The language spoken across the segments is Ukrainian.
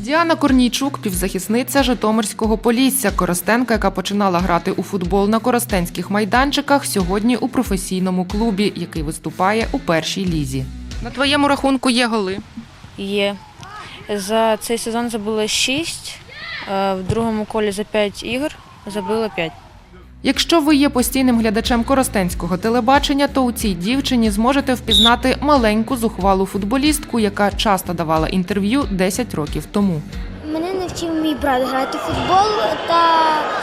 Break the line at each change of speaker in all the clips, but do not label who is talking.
Діана Корнійчук – півзахисниця Житомирського Полісся. Коростенка, яка починала грати у футбол на коростенських майданчиках, сьогодні у професійному клубі, який виступає у першій лізі. На твоєму рахунку є голи?
Є. За цей сезон забила 6, в другому колі за 5 ігор забила 5.
Якщо ви є постійним глядачем коростенського телебачення, то у цій дівчині зможете впізнати маленьку зухвалу футболістку, яка часто давала інтерв'ю 10 років тому.
Мене навчив мій брат грати в футбол та,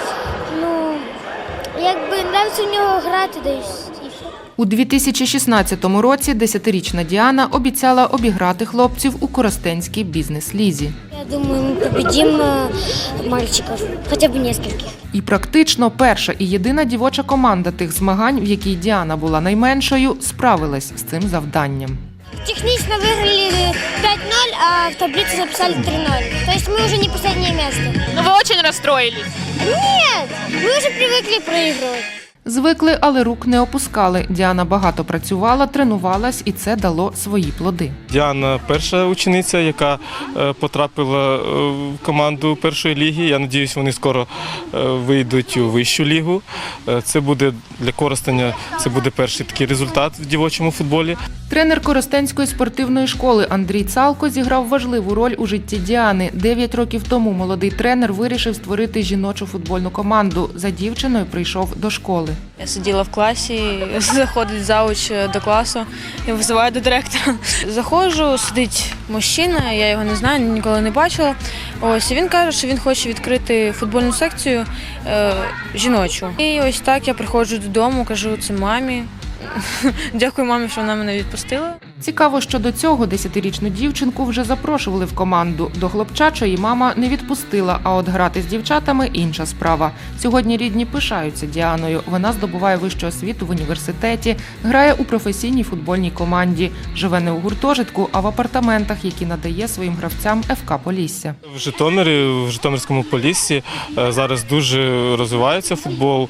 нравиться в нього грати десь.
У 2016 році 10-річна Діана обіцяла обіграти хлопців у коростенській бізнес-лізі.
Я думаю, ми победимо мальчиків, хоча б нескольких.
І практично перша і єдина дівоча команда тих змагань, в якій Діана була найменшою, справилась з цим завданням.
Технично виграли 5-0, а в таблиці записали 3-0. Тобто ми вже не останнє місце.
Ну вы очень расстроились.
Ні, ми вже привикли проігрувати.
Звикли, але рук не опускали. Діана багато працювала, тренувалась, і це дало свої плоди.
Діана – перша учениця, яка потрапила в команду першої ліги. Я сподіваюся, вони скоро вийдуть у вищу лігу. Це буде для Коростеня, це буде перший такий результат в дівочому футболі.
Тренер Коростенської спортивної школи Андрій Цалко зіграв важливу роль у житті Діани. 9 років тому молодий тренер вирішив створити жіночу футбольну команду. За дівчиною прийшов до школи.
Я сиділа в класі, заходить завуч до класу і визиває до директора. Заходжу, сидить мужчина, я його не знаю, ніколи не бачила. Ось, і він каже, що він хоче відкрити футбольну секцію жіночу. І ось так я приходжу додому, кажу це мамі. Дякую мамі, що вона мене відпустила.
Цікаво, що до цього 10-річну дівчинку вже запрошували в команду. До хлопчачої мама не відпустила, а от грати з дівчатами – інша справа. Сьогодні рідні пишаються Діаною. Вона здобуває вищу освіту в університеті, грає у професійній футбольній команді. Живе не у гуртожитку, а в апартаментах, які надає своїм гравцям ФК Полісся.
В Житомирі, в Житомирському Поліссі зараз дуже розвивається футбол.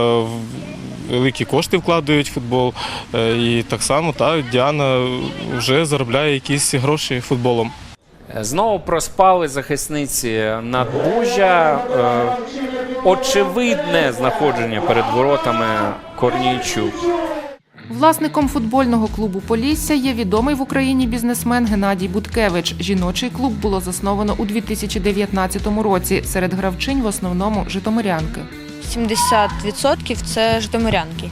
Великі кошти вкладають в футбол, і так само Діана вже заробляє якісь гроші футболом.
Знову проспали захисниці надбужжя. Очевидне знаходження перед воротами Корнійчук.
Власником футбольного клубу «Полісся» є відомий в Україні бізнесмен Геннадій Буткевич. Жіночий клуб було засновано у 2019 році. Серед гравчинь в основному житомирянки.
70% – це житомирянки.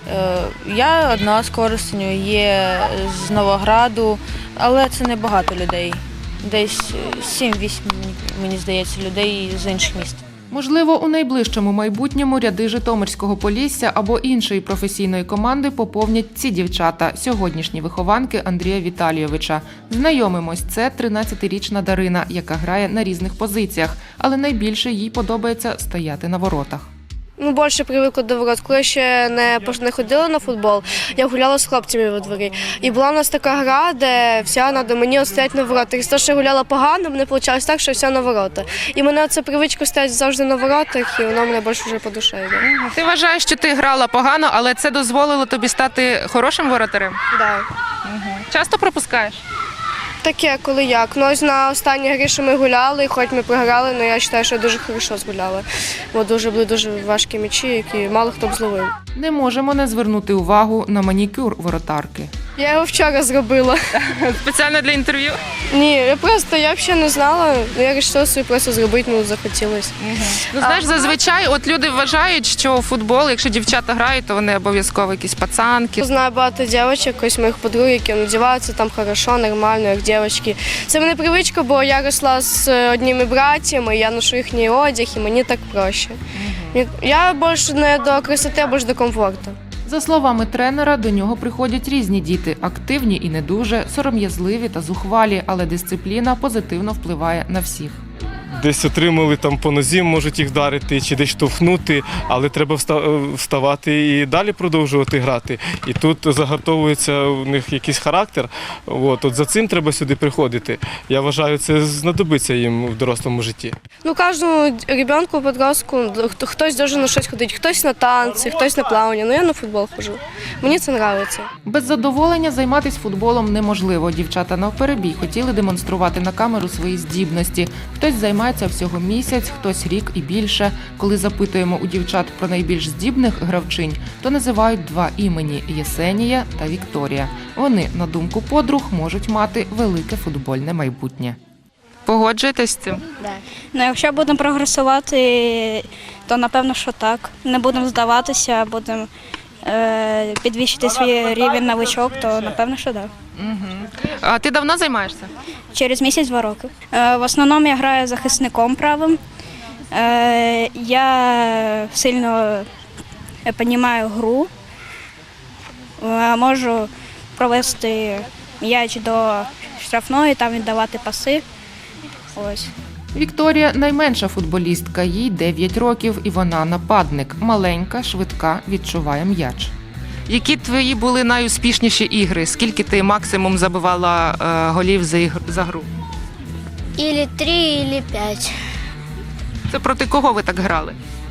Я одна з Коростеню, є з Новограду, але це не багато людей. Десь 7-8, мені здається, людей з інших міст.
Можливо, у найближчому майбутньому ряди Житомирського Полісся або іншої професійної команди поповнять ці дівчата, сьогоднішні вихованки Андрія Віталійовича. Знайомимось, це 13-річна Дарина, яка грає на різних позиціях, але найбільше їй подобається стояти на воротах.
Більше привикла до ворот. Коли ще не ходила на футбол, я гуляла з хлопцями во дворі. І була у нас така гра, де вся треба мені стояти на воротах. І з того, що я гуляла погано, мені вийшло так, що вся на ворота. І мене ця привичка стояти завжди на воротах, і вона мене більше вже по душі йде.
Ти вважаєш, що ти грала погано, але це дозволило тобі стати хорошим воротарем?
Так.
Часто пропускаєш?
Таке, коли як. Ну, ось на останній грі, що ми гуляли, хоч ми програли, але я вважаю, що дуже хорошо згуляли. Бо були дуже важкі м'ячі, які мало хто б зловив.
Не можемо не звернути увагу на манікюр воротарки.
Я його вчора зробила.
Спеціально для інтерв'ю?
Ні, я взагалі не знала. Я вирішила собі просто зробити, захотілося.
Ну, знаєш, зазвичай люди вважають, що футбол, якщо дівчата грають, то вони обов'язково якісь пацанки.
Знаю багато дівчат, ось моїх подруг, які надіваються там хорошо, нормально, як дівчатки. Це мене привичка, бо я росла з одними братями, я ношу їхній одяг, і мені так проще. Я більше не до красоти, а більше до комфорту.
За словами тренера, до нього приходять різні діти – активні і не дуже, сором'язливі та зухвалі, але дисципліна позитивно впливає на всіх.
десь отримали там по нозі, можуть їх вдарити чи десь штовхнути, але треба вставати і далі продовжувати грати. І тут загартовується у них якийсь характер. От за цим треба сюди приходити. Я вважаю, це знадобиться їм в дорослому житті.
Ну, кожному ребенку, подростку, хтось дуже на щось ходить, хтось на танці, хтось на плавання. Ну, я на футбол ходжу. Мені це подобається.
Без задоволення займатися футболом неможливо. Дівчата навперебій хотіли демонструвати на камеру свої здібності. Хтось займається всього місяць, хтось рік і більше. Коли запитуємо у дівчат про найбільш здібних гравчинь, то називають два імені – Єсенія та Вікторія. Вони, на думку подруг, можуть мати велике футбольне майбутнє.
Погоджуєтесь з цим?
Ну, якщо будемо прогресувати, то напевно, що так. Не будемо здаватися, будемо підвищити свій рівень новичок, то напевно, що так.
А ти давно займаєшся?
Через місяць-2 роки. В основному я граю захисником правим. Я сильно розумію гру. Можу провести м'яч до штрафної, там віддавати паси. Ось.
Вікторія – найменша футболістка, їй 9 років, і вона нападник. Маленька, швидка, відчуває м'яч.
Які твої були найуспішніші ігри? Скільки ти максимум забивала голів за гру?
Или 3, или 5.
Це проти кого ви так грали?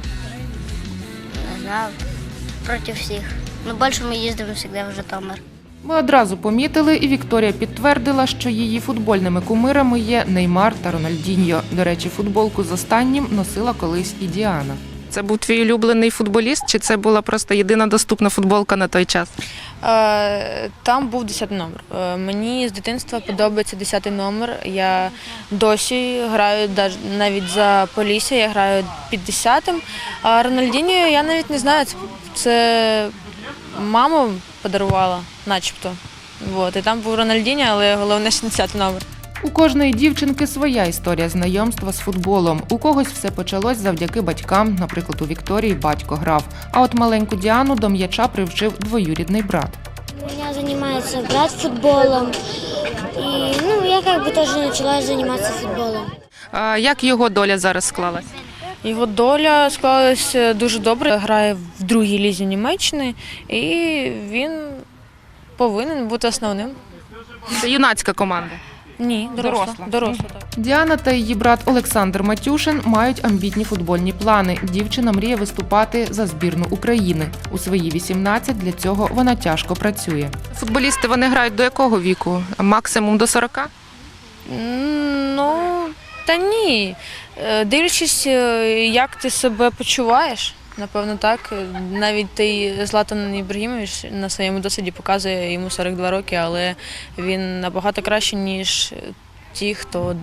Не знаю, против всіх. Ну, більше ми їздимо завжди в Житомир.
Ми одразу помітили, і Вікторія підтвердила, що її футбольними кумирами є Неймар та Рональдіньо. До речі, футболку з останнім носила колись і Діана.
Це був твій улюблений футболіст, чи це була просто єдина доступна футболка на той час?
Там був 10 номер. Мені з дитинства подобається 10 номер. Я досі граю навіть за Полісся, я граю під 10-м. А Рональдіньо я навіть не знаю, це мама подарувала, начебто. І там був Рональдіньо, але головне 60 номер.
У кожної дівчинки своя історія знайомства з футболом. У когось все почалось завдяки батькам, наприклад, у Вікторії батько грав. А от маленьку Діану до м'яча привчив двоюрідний брат.
У меня занимается брат футболом. И, я тоже начала заниматься футболом.
А як його доля зараз склалась?
Його доля склалася дуже добре. Грає в другій лізі Німеччини, і він повинен бути основним.
Це юнацька команда.
Ні, доросла. Так.
Діана та її брат Олександр Матюшин мають амбітні футбольні плани. Дівчина мріє виступати за збірну України. У свої 18 для цього вона тяжко працює.
Футболісти, вони грають до якого віку? Максимум до 40?
Ну, та ні. Дивлячись, як ти себе почуваєш, напевно, так. Навіть той Златан Ібрагімович на своєму досвіді показує, йому 42 роки, але він набагато краще, ніж ті, хто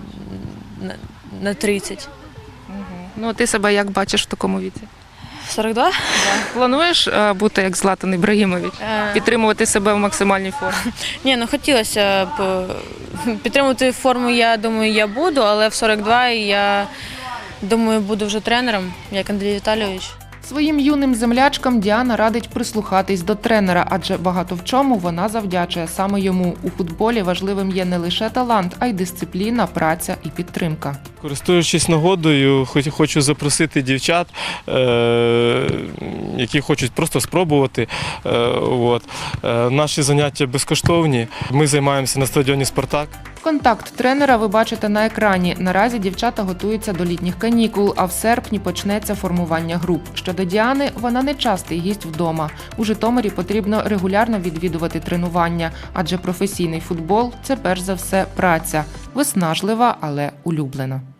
на 30.
Ну, ти себе як бачиш в такому віці?
42?
Плануєш бути як Златан Ібрагімович? Підтримувати себе в максимальній формі?
Ні, хотілося б підтримувати форму, я думаю, я буду, але в 42 я думаю, буду вже тренером, як Андрій Віталійович.
Своїм юним землячкам Діана радить прислухатись до тренера, адже багато в чому вона завдячує саме йому. У футболі важливим є не лише талант, а й дисципліна, праця і підтримка.
Користуючись нагодою, хочу запросити дівчат, які хочуть просто спробувати. Наші заняття безкоштовні. Ми займаємося на стадіоні «Спартак».
Контакт тренера ви бачите на екрані. Наразі дівчата готуються до літніх канікул, а в серпні почнеться формування груп. Щодо Діани, вона не частий гість вдома. У Житомирі потрібно регулярно відвідувати тренування, адже професійний футбол – це перш за все праця. Виснажлива, але улюблена.